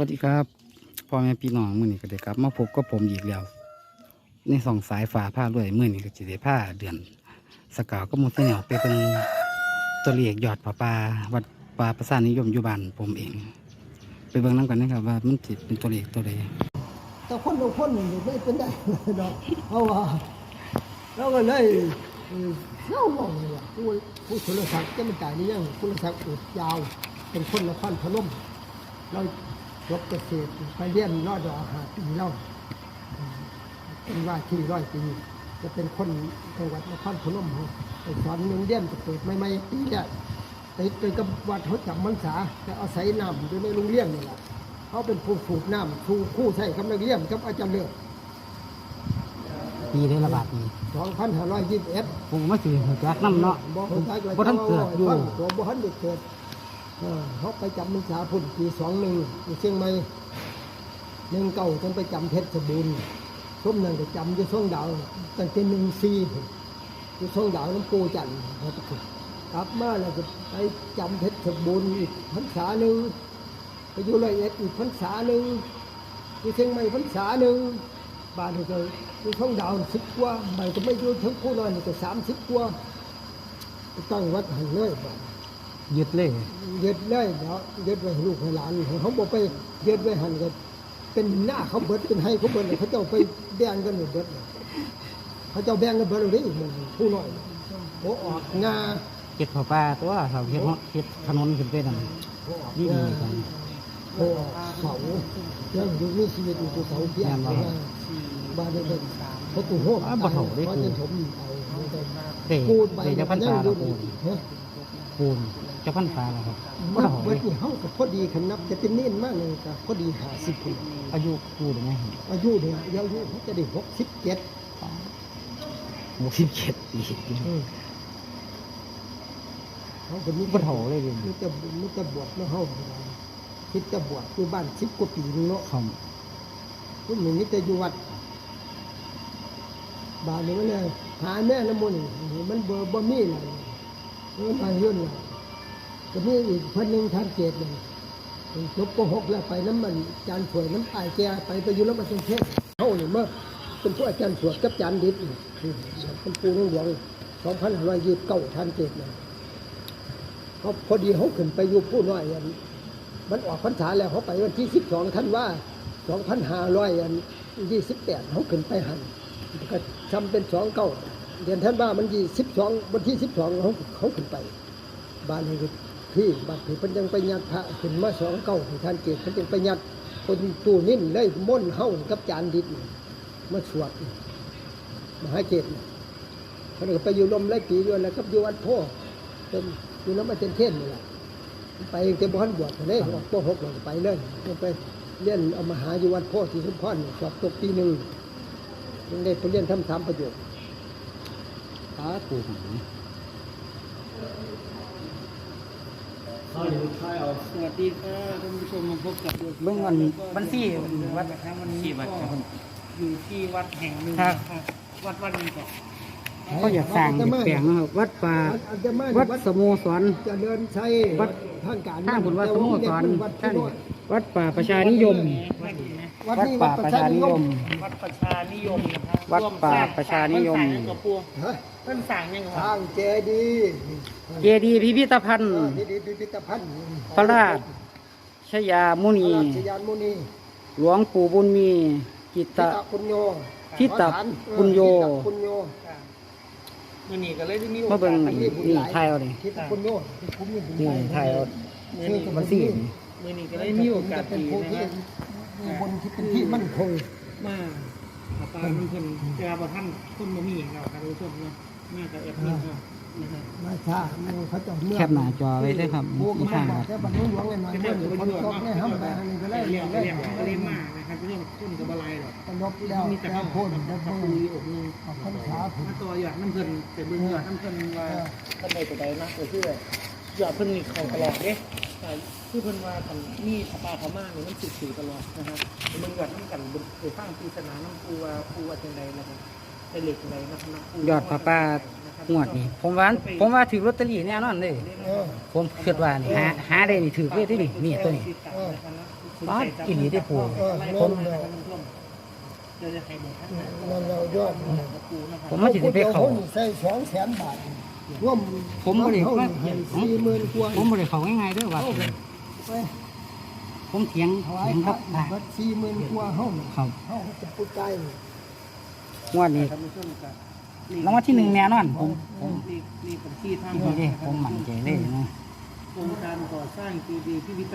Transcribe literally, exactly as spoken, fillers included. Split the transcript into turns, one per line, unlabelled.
วัสดีครับพ่อแม่พี่น้องมื้อนี้ก็ได้กลับมาพบกับผมอีกแล้วในสองสายฟ้าผ้าด้วยมื้อนี้ก็สิได้ผ้าเดือนสกาวก็มุสเหนียวไปเป็นตัวเลขยอดผาป่าวัดป่าประสานนิยมอยู่บ้านผมเอง ไปเบิ่งน้ำกันนะครับว่ามันสิเป็นตัวเลขตัวใด
แต่คนบางคนนี่ไม่เป็นได้ดอกเพราะว่าเราก็เลยเล่าลงเลยว่าผู้ผู้สุรศักดิ์จะมันจ่ายนี่ยังสุรศักดิ์อุดยาวเป็นคนนครพนมเราจบเกษตรไปเรียนรอดอหาปีเล่าเป็นว่าที่ร้อยปีจะเป็นคนจังหวัดนครพนมไปสอนเมืองเรียนเปิดไม่ไม่ปีแรกติดไปกับวัดเขาจำพรรษาแต่อาศัยน้ำอยู่ในโรงเรียนนี่แหละเขาเป็นผู้สูบน้ำชูคู่ใช้กับนักเรียนกับอาจารย์เลือก
ปีได้ระบาดนี้
สองพันห้าร้อยยี่สิบเอ็ด
ผมมาสิหัวจักน้ำเนาะบ่ทันเกิดอยู่
ตัวบ่ทันเกิดเขาไปจำพรรษาพุ่นปีสองหนึ่งเชียงใหม่หนึ่งเก่าจนไปจำเพชรบูรณ์ส้มนั่นก็จำอยู่ช่วงดาวตั้งแต่หนึ่งสี่อยู่ช่วงดาวน้ำปูจันทร์กลับมาแล้วก็ไปจำเพชรบูรณ์อีกพรรษาหนึ่งไปอยู่ร้อยเอ็ดอีกพรรษาหนึ่งอยู่เชียงใหม่พรรษาหนึ่งบ้านก็อยู่ช่วงดาวสิบกว่าใหม่ก็ไม่อยู่ทั้งคู่น้อยนี่ก็สามสิบกว่าตั้งวัดหันเลยบ้าน
ยึดเลย
ยึดเลยเนาะยึดไว้ลูกให้หลานเขาบอกไปยึดไว้หันกันเป็นหน้าเขาเบิดเป็นให้เขาเบิดเขาเจ้าไปแบ่งกันเบิดเขาเจ้าแบ่งกันเบิดเลยมันผู้น้อยโบออกงา
เก็บผ้าป่าตัวเขาเฮ็ดเฮ็ดถนนขึ้นไปนั่นนี่ดีกัน
โบออกเขาเรื่องอยู่มีชีวิตอยู่ตัวเขาเพียงบ้านเด็กๆเขาตู้ห้อง
บ่เฒ่าได้กู
เอาปูนใบ
จะพันตาปูนปูนจะพันฟ้าแล้วครับ
บ่เฒ่าเบิดนี่เฮาก็พอดีคันนับจะเป็นเน้นมากเลยก็พอดีห้าสิบปี
อายุกูได้ไหม
อายุเด้อายุเขาจะได้หกสิบเจ็ด
หกสิบเจ็ดปี
เขาคนนี้
บ่เฒ่าเลยเด้
มีแต่มีแต่บวชเนาะเฮาคิดแต่บวชอยู่บ้านสิบกว่าปีนึงเนาะ
ครับ
พุ่นนี่มีแต่อยู่วัดบ้านนี้มันเนี่ยหาแม่น้ำมนต์มันบ่บ่มีอะไรมันไปเรื่อยก็มีอีกพันหนึ่งท่านเกตเลยจบปหกแล้วไปน้ำมันจานสวยน้ำตายแกไปไปอยู่น้ำมันเป็นเทศเขาเนี่ยเมื่อเป็นผู้อาจารย์สวดกับจานดิบเป็นปูนุ่งหลวงสองพันห้าร้อยยี่สิบเก้าท่านเกตเลยเขาพอดีเขาขึ้นไปอยู่ผู้น้อยอันมันออกพรรษาแล้วเขาไปวันที่สิบสองท่านว่าสองพันห้าร้อยอันยี่สิบแปดเขาขึ้นไปหันก็ทำเป็นสองเก้าเดือนท่านว่ามันยี่สิบสองวันที่สิบสองเขาเขาขึ้นไปบ้านนี้ที่บัดที่เพิ่นยังไปยัดพระขึ้นมาสองเก้าที่ท่านเกศเพิ่นยังไปยัดคนตู้นิ่นเลยม่นเฮากับจานดิบมาสวดมหาเกศเพิ่นก็ไปอยู่ลมไร่ปีอยู่แล้วกับอยู่วัดพ่อเป็นอยู่น้ำมันเป็นเทศนี่แหละไปเต็มบ้านบวชเลยออกปหกเราไปเลยไปเรียนเอามหาอยู่วัดพ่อที่ชุมพรสอบตกปีหนึ่งยังได้ไปเรียนทำสามประโยชน์
ตาปูหง
สวัสดีค่ะท่านผู้ชมมาพบกับ
เบื้องวันวันที่วัด
วันนี้ก็อยู่ที่วัดแห่งหนึ่งวัดวัดนี้ก่อน
เขาอยากสร้างแปลงนะครับวัดป่าวัดสโมสร
จะเดินใช้
วัด
ทางการ
ท่าบุญวัดสโมสรท่านวัดป่าประชานิยมวัดป่าประชานิยม
วัดประชานิยมนะครับ
วัดป่าประชานิยม
เพิ่นสั่งยังไง
สร้างเจดีย์
เจดีย์พิพิธภัณฑ์
พิพิธภัณฑ์
พระราชยามุนีหลวงปู่บุญมีกิตต
ปุญโญ
ทิตปุญโญ
มื่อนี้ก็เลยได้มีโอ
กาสนี่ไทยเอาดินี่ไทยเอามันสี่
มื่อนี้ก็เลยมีโอกาสดีนะครับ
บนที่เป็นที่มั่นคง
มาปามันเพิ่นเจอบ่ท่านคนบ่มีเราครับทุกคนเนาะมากับแอปนี้ครับ
มาช้าเขาจะเมื่อ
แคบหน้าจอไว้ด้วยครับ
อีกทางแค่บรรลุหลวงหน่อยๆเมื่อคนตกเนี่ยห้ามไปทางนี้ก็ได้
เรียนเรียนก็เรียนมากนะครับเรื่องต้นกับอะไรหรอก
ตลบแล้ว
มีแต่ข้าวโพด
แล้วก็
ปุยอบนึง
ข้าวขาผม
ตัวหยอดน้ำเพิ่นแต่เบิ่งหยอดน้ำเพิ่นว่าท่านใดตัวใดนะก็คือหยอดเพิ่นนี่เข้าตลอดเด้คือเพิ่นว่าคันมีพระป่าพม่านี่มันสืบสืบตลอดนะครับเบิ่งหยอดน้ำกันไปฟังปริศนาน้ำปูว่าปูว่าจังไดนะครับได้เลขจังไดนะครับ
ยอดพระป่างวดนี่ผมว่าผมว่าถือลอตเตอรี่แน่นอนเลยผมคิดว่านี่หาหาได้นี่ถือเลยที่นี่นี่ตัวนี้ป๊าดอีหลีได้ปู
ผมจะจะให้หมดทั้งนั้น
นั่นเรายอด
ปูนะครับ
ผมมาสิได้ไปเข้า
ใส่สองแสนบาทร่วม
ผมบ่ได้
เขาให้สี่หมื่นกว่า
ผมบ่ได้เข้าง่ายๆเด้อว่า
ไป
ผมเถียง
ถวาย
เถียง
พ
ค
ระ
รับอ่า
บัดสี่หมื่นกว่าเฮา
ครับ
เฮาจะพูดใจ
งวดนี้
ท่านผู้ชมครับ
รางวัลที่หนึ่งแน่นอนผมผม
นี่นี่เป็นที่ทาง
นี่เด้ผมมั่นใจเลยนะ
โครงการก่อสร้างจีดีพิพิธ